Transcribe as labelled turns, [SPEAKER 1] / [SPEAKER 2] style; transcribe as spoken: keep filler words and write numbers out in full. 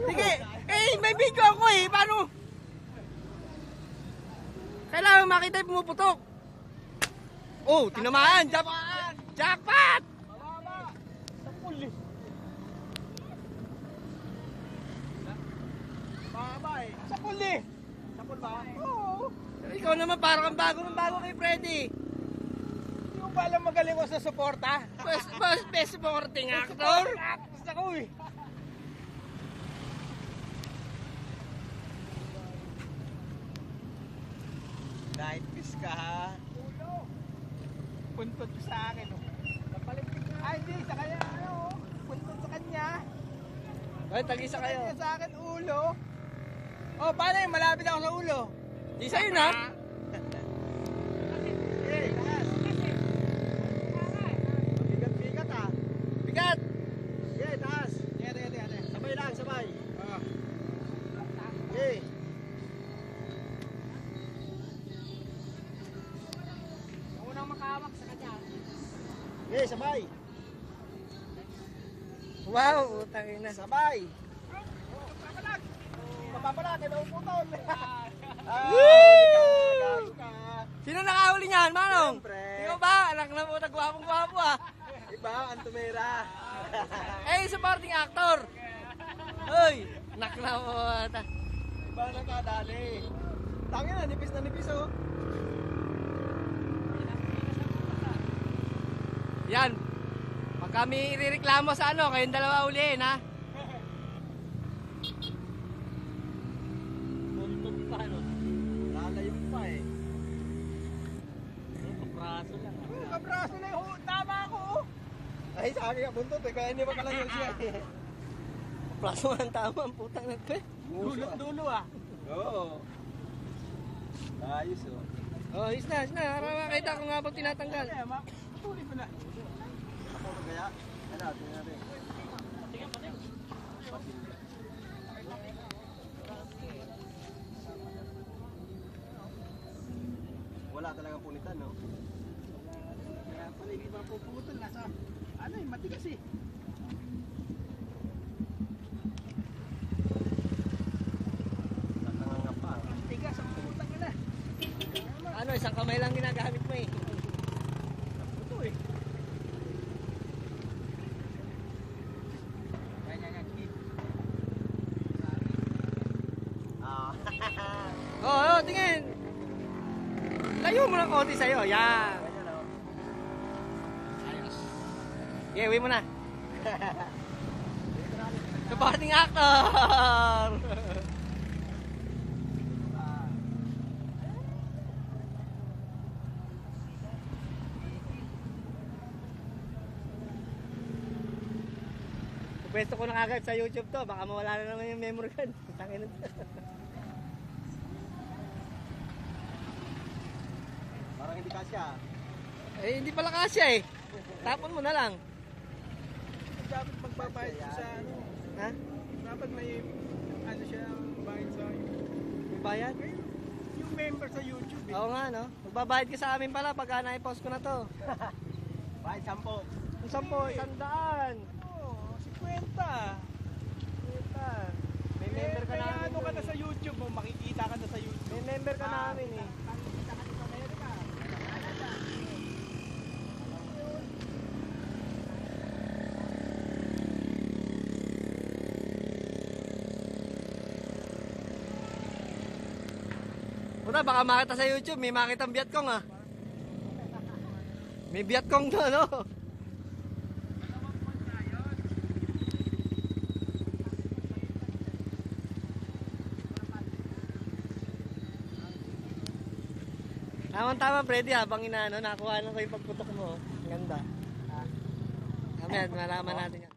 [SPEAKER 1] Sige, eh, may video ako eh. Paano? Kailangan makita yung pumuputok. Oh, tinamaan. Jackpot! Jackpot!
[SPEAKER 2] Mababa. Sapul eh. Mababa eh. Sapul eh. Sapul ba? Oo.
[SPEAKER 1] Ikaw naman parang kang bago ng bago kay Freddy.
[SPEAKER 2] Hindi mo ba alam magaling ko sa suporta?
[SPEAKER 1] Best, best, best supporting actor.
[SPEAKER 2] Actors ako eh. Night kiss ka ha. Ulo. Puntot ko sa akin oh. Napalimpik na. Ay hindi, sa kanya ano oh. Puntot sa kanya.
[SPEAKER 1] Ay, tagisa kayo.
[SPEAKER 2] Kanya sa akin ulo. Oh, paano yun? Malapit ako sa ulo.
[SPEAKER 1] Di sa'yo na.
[SPEAKER 2] Eh, taas. Bigat-bigat ah.
[SPEAKER 1] Bigat.
[SPEAKER 2] Okay, taas. Tingnan, tingnan, tingnan. Sabay lang, sabay. Ah. Okay. Unang makahawak sa kanya. Okay, sabay.
[SPEAKER 1] Wow, utang ina.
[SPEAKER 2] Sabay. Papalag. Papalag, kaya nauputol.
[SPEAKER 1] Woo! Sino nakahuli niyan, Manong?
[SPEAKER 2] Siyempre.
[SPEAKER 1] Ikaw ba? Anak na po, nagwapong-gwapo ah.
[SPEAKER 2] Iba, Antumera.
[SPEAKER 1] Eh, supporting actor. Hoy, anak na po.
[SPEAKER 2] Iba na kadali. Tangin na, nipis na nipis oh.
[SPEAKER 1] Yan. Pag kami irereklamo sa ano, kayong dalawa ulihin ha.
[SPEAKER 2] Buntot pa no. Lalayo pa eh. Kapraso lang. Oh, kapraso lang oh. Tama ako oh. Ay, sa akin ka buntot eh. Kaya hindi pa kalayo siya eh.
[SPEAKER 1] Plaso ang tama, ang putang nagpe.
[SPEAKER 2] Dulo-dulo ah. Oo. Ayos oh.
[SPEAKER 1] Oh, is na, is na. Para makita ko nga pag tinatanggal.
[SPEAKER 2] Kaya ma, tuloy mo na. Ako ba kaya? Ano, tingnan natin. Wala talagang punitan, no? Kaya pala hindi ba puputol nasa ano eh, matigas eh. Tatanga pa. Matigas ang putang nila.
[SPEAKER 1] Ano, isang kamay lang ginagamit mo eh.
[SPEAKER 2] Ito eh. Ganyan yan, kid. Ah.
[SPEAKER 1] Oh, oh, tingin. Layo mo ng konti sa'yo. Yan.
[SPEAKER 2] Ganyan oh.
[SPEAKER 1] Ayos. Okay, uwi mo na. Supporting actor. Pwesto ko na kagad sa YouTube to. Baka mawala na naman yung memory card. Tangin na.
[SPEAKER 2] Parang hindi kasya.
[SPEAKER 1] Eh, hindi pala kasya eh. Tapon mo na lang.
[SPEAKER 2] Dapat magbabayad siya sa ano.
[SPEAKER 1] Ha?
[SPEAKER 2] Dapat may ano siya bayad sa
[SPEAKER 1] May bayad?
[SPEAKER 2] yung member sa YouTube eh.
[SPEAKER 1] Oo nga, no? Magbabayad ka sa amin pala pagka na-post ko na to.
[SPEAKER 2] Bayad sampo.
[SPEAKER 1] Ang sampo, isang daan.
[SPEAKER 2] Oo, fifty.
[SPEAKER 1] Kita. May member ka
[SPEAKER 2] Kaya
[SPEAKER 1] namin.
[SPEAKER 2] ano ka
[SPEAKER 1] dun
[SPEAKER 2] na
[SPEAKER 1] eh.
[SPEAKER 2] sa YouTube mo, makikita ka na sa YouTube.
[SPEAKER 1] May member ka namin eh.
[SPEAKER 2] Makikita ka na sa Amerika.
[SPEAKER 1] Puta, baka makita sa YouTube, may makita ang Vietcong ah. May Vietcong to, no? Tama-tama, Freddy, habang inaano, nakuha na ko yung pagputok mo. Ang ganda. Mamaya, malaman natin yan.